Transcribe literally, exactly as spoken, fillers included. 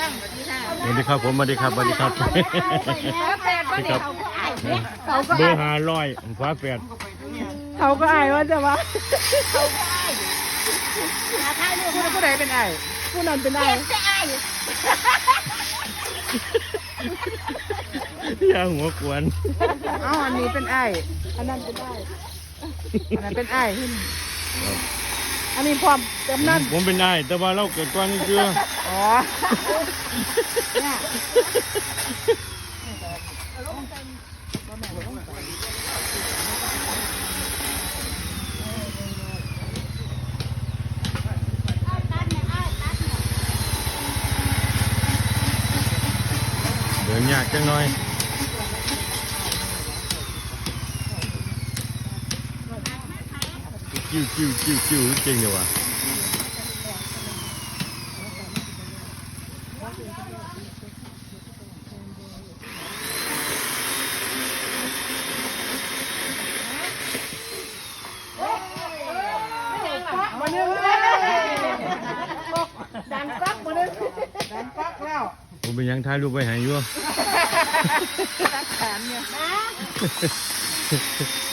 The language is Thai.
สวัสดีครับผมสวัสดีครับสวัสดีครับแปดว่าเด็กเขาก็เบอร์ห้าร้อยฟ้าแปดเขาก็อายว่าจะว่าเขาก็อายหาทายลูกผู้ผู้ใดเป็นอายผู้นั้นเป็นอายจะอายอย่าหัวกวนเอ้าอันนี้เป็นอายอันนั้นเป็นอายอันนั้นเป็นอายอันนี้พร้อมกำนันผมเป็นนายแต่ว่าเราเกิดก่อนนี่คืออ๋อเนี่ยเดินยากจังหน่อยจิ้วจิ้วจิ้วจิ้วเก่งเดี๋ยววะมาหนึ่งดันปักมาหนึ่งดันปักแล้วผมเป็นหยังถ่ายรูปไปหายอยู่รักแขนเนี่ย